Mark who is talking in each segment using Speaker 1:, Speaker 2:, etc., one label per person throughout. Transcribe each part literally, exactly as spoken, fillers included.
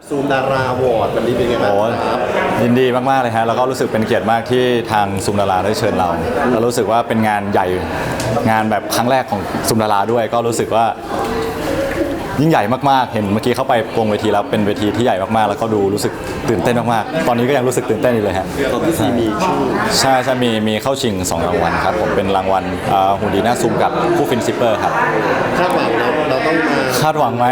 Speaker 1: ซูมดาราวอร์ดวันนี้เป็นไงบ้างครับ
Speaker 2: ยินดีมากๆเลยฮะแล้วก็รู้สึกเป็นเกียรติมากที่ทางซูมดาราได้เชิญเราเรารู้สึกว่าเป็นงานใหญ่งานแบบครั้งแรกของซูมดาราด้วยก็รู้สึกว่ายิ่งใหญ่มากๆเห็นเมื่อกี้เข้าไปวงเวทีแล้วเป็นเวทีที่ใหญ่มากๆแล้วก็ดูรู้สึกตื่นเต้นมากๆตอนนี้ก็ยังรู้สึกตื่นเต้นอยู่เลยฮะ
Speaker 1: ตอนที่ซีมีชื่อ
Speaker 2: ใช่ใช่มีมีเข้าชิงสองรางวัลครับผมเป็นรางวัลหุ่นดีหน้าซูมกับคู่ฟินซิปเปอร์ครับ
Speaker 1: คาดหวังเราเราต้องมา
Speaker 2: คาดหวังไหม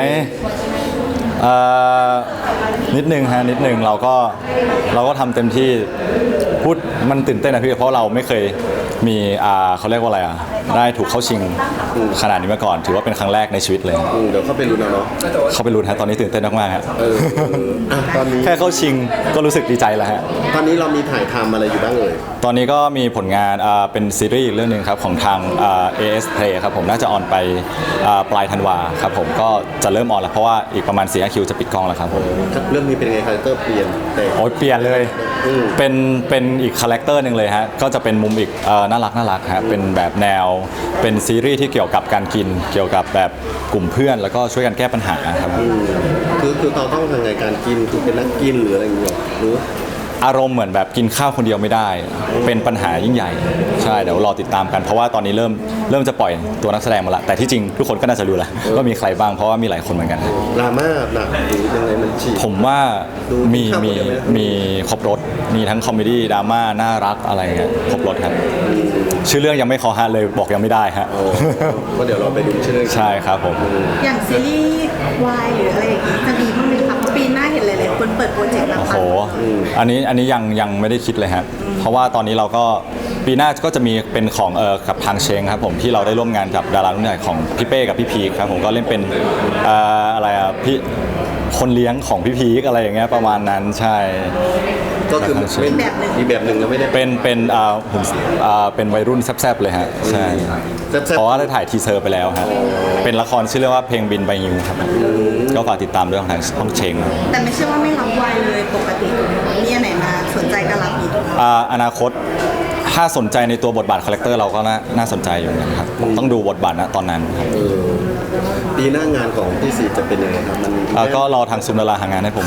Speaker 2: นิดนึงฮะนิดนึงเราก็เราก็ทำเต็มที่พูดมันตื่นเต้นนะพี่เพราะเราไม่เคยมีอ่าเขาเรียกว่าอะไรอ่ะได้ถูกเข้าชิงขนาดนี้มาก่อนถือว่าเป็นครั้งแรกในชีวิตเลย
Speaker 1: เดี๋ยวเข้าไปลุ้นเอาเนาะ
Speaker 2: เข้าไปลุ้นฮะตอนนี้ตื่นเต้นมากๆฮะ
Speaker 1: ตอนนี้
Speaker 2: แค่เข้าชิงก็รู้สึกดีใจแล้วฮะ
Speaker 1: ตอนนี้เรามีถ่ายทำอะไรอยู่บ้างเอ่ย
Speaker 2: ตอนนี้ก็มีผลงานอ่าเป็นซีรีส์อีกเรื่องนึงครับของทางอ่า เอ เอส Play ครับผมน่าจะออนไปอ่าปลายธันวาครับผมก็จะเริ่มออนแล้วเพราะว่าอีกประมาณสี่ ห้า คิวจะปิดกล้องแล้วครับผม
Speaker 1: เรื่องนี้เป็นไงคาแรคเตอร์เปลี่ยนแต่
Speaker 2: โอ้ยเปลี่ยนเลยเป็นเป็นอีกคาแรคเตอร์นึงเลยฮะก็จะเป็นมุมอีกน่ารักน่ารักฮะเป็นแบบแนวเป็นซีรีส์ที่เกี่ยวกับการกินเกี่ยวกับแบบกลุ่มเพื่อนแล้วก็ช่วยกันแก้ปัญหาครับ
Speaker 1: คือคือเราต้องทำไงการกินคือเป็นนักกินหรืออะไรอย่างเงี้ยหรือ
Speaker 2: อารมณ์เหมือนแบบกินข้าวคนเดียวไม่ได้เป็นปัญหายิ่งใหญ่ใช่เดี๋ยวรอติดตามกันเพราะว่าตอนนี้เริ่มเริ่มจะปล่อยตัวนักแสดงมาละแต่ที่จริงทุกคนก็น่าจะรู้แหละว่ามีใครบ้างเพราะว่ามีหลายคนเหมือนกัน
Speaker 1: ดราม่าหนักหรือยังไงมันฉีก
Speaker 2: ผมว่ามีมีมีครบรถมีทั้งคอมเมดี้ดราม่าน่ารักอะไรเงี้ยครบรถครับชื่อเรื่องยังไม่คอฮะเลยบอกยังไม่ได้ฮะ
Speaker 1: ก็เดี๋ยวเราไปดูชื่อเรื่อง
Speaker 2: ใช่ครับผม
Speaker 3: อย่างซีรีส์วายหรืออะไรอย่างงี้จะมีบ้างไหมคะเพราะปีหน้าเห็นหลายๆคนเปิดโปรเจกต์แล้ว
Speaker 2: โอ้โหอันนี้อันนี้ยังยังไม่ได้คิดเลยฮะเพราะว่าตอนนี้เราก็ปีหน้าก็จะมีเป็นของเอ่อกับทางเชงครับผมที่เราได้ร่วมงานกับดารารุ่นใหญ่ของพี่เป้กับพี่พีคครับผมก็เล่นเป็นเอ่ออะไรอ่ะพี่คนเลี้ยงของพี่พีคอะไรอย่างเงี้ยประมาณนั้นใช่
Speaker 1: ก็คือเป็นแบบหนึ่งอีกแบบหนึ่งแล้วไม่ได้
Speaker 2: เป็นเป็นอ่าผมอ่าเป็นวัยรุ่นแซ่บๆเลยฮะใช่เพราะว่าได้ถ่ายทีเซอร์ไปแล้วฮะเป็นละครชื่อเรื่องว่าเพลงบินใบยิวครับก็ฝากติดตามด้วยของทางช่องเชง
Speaker 3: แต่ไม่ใช่ว่าไม่รับวายเลยปกติมีอันไหนมาสนใจก็รับอีก
Speaker 2: อ่าอนาคตถ้าสนใจในตัวบทบาทคาแรคเตอร์เราก็น่าน่าสนใจอยู่นะครับต้องดูบทบาทนะตอนนั้น
Speaker 1: ปีหน้างานของพี่ซีจะเป็นยังไงครับมัน
Speaker 2: ก็รอทางซุมดาราหางานให้ผม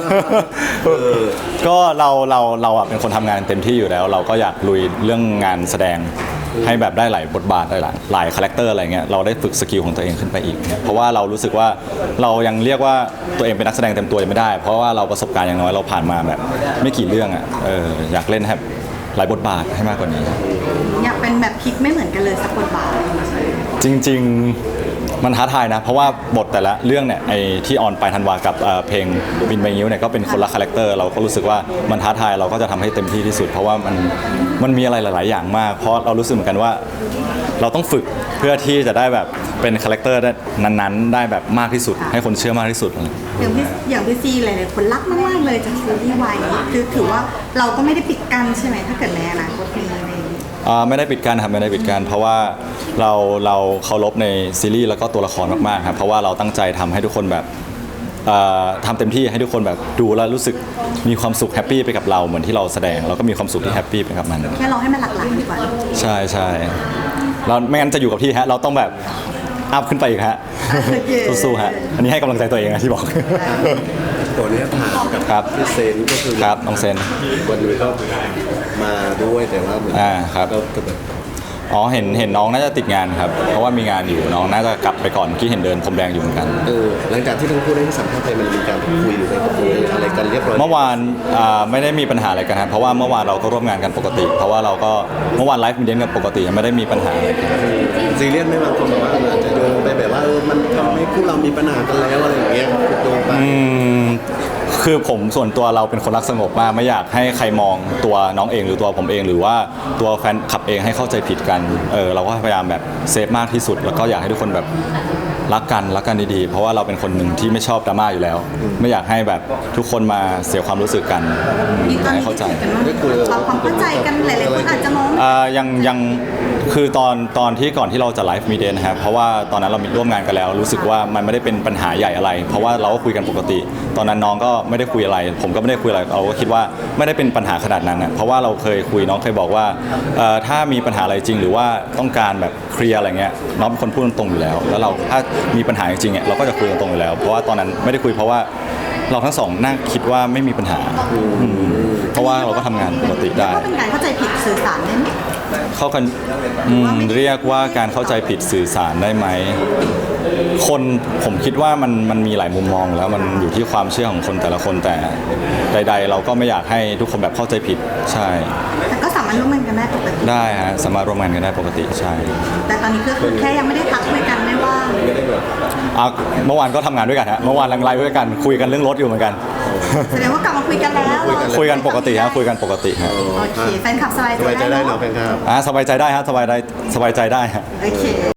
Speaker 2: ก็เราเราเราอ่ะเป็นคนทำงานเต็มที่อยู่แล้ว เราก็อยากลุยเรื่องงานแสดงให้แบบได้หลายบทบาทได้หลายหลายคาแรคเตอร์อะไรเงี้ยเราได้ฝึกสกิลของตัวเองขึ้นไปอีกเพราะว่าเรารู้สึกว่าเรายังเรียกว่าตัวเองเป็นนักแสดงเต็มตัวยังไม่ได้เพราะว่าเราประสบการณ์อย่างน้อยเราผ่านมาแบบไม่กี่เรื่องอ่ะเอออยากเล่นให้หลายบทบาทให้มากกว่านี้
Speaker 3: อยากเป็นแบบพลิกไม่เหมือนกันเลยสักบทบาท
Speaker 2: จริงๆมันท้าทายนะเพราะว่าบทแต่ละเรื่องเนี่ยไอ้ที่ออนไปธันวากับเพลงบินใบงิ้วเนี่ยก็เป็นคนละคาแรคเตอร์เราก็รู้สึกว่ามันท้าทายเราก็จะทำให้เต็มที่ที่สุดเพราะว่ามันมันมีอะไรหลายๆอย่างมากเพราะเรารู้สึกเหมือนกันว่าเราต้องฝึกเพื่อที่จะได้แบบเป็นคาแรคเตอร์นั้นๆได้แบบมากที่สุดให้คนเชื่อมากที่สุด
Speaker 3: อย่างพี่อย่างพี่ซีหลายๆคนรักมากๆเลยจากซีรีส์วายนี้คือถือว่าเราก็ไม่ได้ปิดกั้นใช่ไหมถ้าเกิดในอนาคตมีอะไร
Speaker 2: ไม่ได้ปิดกั้นครับไม่ได้ปิดกั้นเพราะว่าเราเราเคารพในซีรีส์แล้วก็ตัวละครมากๆครับเพราะว่าเราตั้งใจทำให้ทุกคนแบบทำเต็มที่ให้ทุกคนแบบดูแล้วรู้สึกมีความสุขแฮปปี้ไปกับเราเหมือนที่เราแสดงเราก็มีความสุขที่แฮปปี้ไปกับมัน
Speaker 3: แค่เราให้มันหลากหลายดีกว่า
Speaker 2: ใช่ใช่เราไม่งั้นจะอยู่กับที่ฮะเราต้องแบบอัพขึ้นไปอีกฮะสู้ๆฮะอันนี้ให้กำลังใจตัวเองนะที่บอก
Speaker 1: ตัวนี้ถามกับพี่เซนก็คือ
Speaker 2: ครับน้องเซน
Speaker 1: วันนี้ก็มาด้วยแต่ว่า
Speaker 2: อ่าครับอ๋อเห็นเห็นน้องน่าจะติดงานครับเพราะว่ามีงานอยู่น้องน่าจะกลับไปก่อนที่เห็นเดินพรมแดงอยู่เหมือนกัน
Speaker 1: เออหลังจากที่ทั้งคู่ได้สัมภาษณ์ไปมันมีการคุยหรือไปคุยอะไรกันเรียบร้อย
Speaker 2: เมื่อวานไม่ได้มีปัญหาอะไรกันครับเพราะว่าเมื่อวานเราก็ร่วมงานกันปกติเพราะว่าเราก็เมื่อวานไลฟ์มีเดนกันปกติไม่ได้มีปัญหาอะไรกัน
Speaker 1: ซีเรียสไม่บางคนบอกว่าอาจจะโยงไปแบบว่าเออมันทำให้คู่เรามีปัญหากันแล้วอะไรอย่างเงี้ยโยงไป
Speaker 2: คือผมส่วนตัวเราเป็นคนรักสงบมากไม่อยากให้ใครมองตัวน้องเองหรือตัวผมเองหรือว่าตัวแฟนคลับเองให้เข้าใจผิดกันเออเราก็พยายามแบบเซฟมากที่สุดแล้วก็อยากให้ทุกคนแบบรักกันรักกันดีๆเพราะว่าเราเป็นคนหนึ่งที่ไม่ชอบดราม่าอยู่แล้วไม่อยากให้แบบทุกคนมาเสียความรู้สึกกันให้เข้าใจ
Speaker 3: ความเข้าใจกันหลายๆคนอาจจะมอง
Speaker 2: อ่ายังยังคือตอนตอนที่ก่อนที่เราจะไลฟ์มีเดนนะครับเพราะว่าตอนนั้นเรามีร่วมงานกันแล้วรู้สึกว่ามันไม่ได้เป็นปัญหาใหญ่อะไรเพราะว่าเราก็คุยกันปกติตอนนั้นน้องก็ไม่ได้คุยอะไรผมก็ไม่ได้คุยอะไรเราก็คิดว่าไม่ได้เป็นปัญหาขนาดนั้นนะเพราะว่าเราเคยคุยน้องเคยบอกว่าถ้ามีปัญหาอะไรจริงหรือว่าต้องการแบบเคลียร์อะไรเงี้ยน้องเป็นคนพูดตรงๆอยู่แล้วแล้วเราถ้ามีปัญหาจริงๆเราก็จะคุยตรงๆอยู่แล้วเพราะว่าตอนนั้นไม่ได้คุยเพราะว่าเราทั้งสองน่าคิดว่าไม่มีปัญหาอืมเพราะว่าเราก็ทำงานปกติได้
Speaker 3: ก็เป็นการเข้าใจผิดสื่อสารได้ไหม
Speaker 2: เข้ากันอืมเรียกว่าการเข้าใจผิดสื่อสารได้ไหมคนผมคิดว่ามันมันมีหลายมุมมองแล้วมันอยู่ที่ความเชื่อของคนแต่ละคนแต่ใด ๆ เราก็ไม่อยากให้ทุกคนแบบเข้าใจผิดใช่
Speaker 3: แต่ก็สามารถร่วมมือกันได้ปกติ
Speaker 2: ได้ฮะสามารถร่วมงานกันได้ปกติใช่
Speaker 3: แต่ตอนนี้ก็คือแค่ยังไม่ได้ทักคุยกันไม่ว่า
Speaker 2: อ่ะเมื่อวานก็ทำงานด้วยกันฮะเมื่อวานลังไลฟ์ด้วยกันคุยกันเรื่องรถอยู่เหมือนกัน
Speaker 3: แสดงว่ากลับมาคุยกันแล้ว
Speaker 2: คุยกันปกติฮะคุยกันปกติฮะ
Speaker 3: โอเคแฟนคลับสบาย
Speaker 1: สบายใจ
Speaker 3: ใจ
Speaker 1: ได้
Speaker 3: ได้
Speaker 1: เนาะ
Speaker 3: เนาะ
Speaker 1: แฟนครับ
Speaker 2: อ่ะสบายใจได้ฮะสบายได้สบายใจได้ฮะ
Speaker 3: โอเค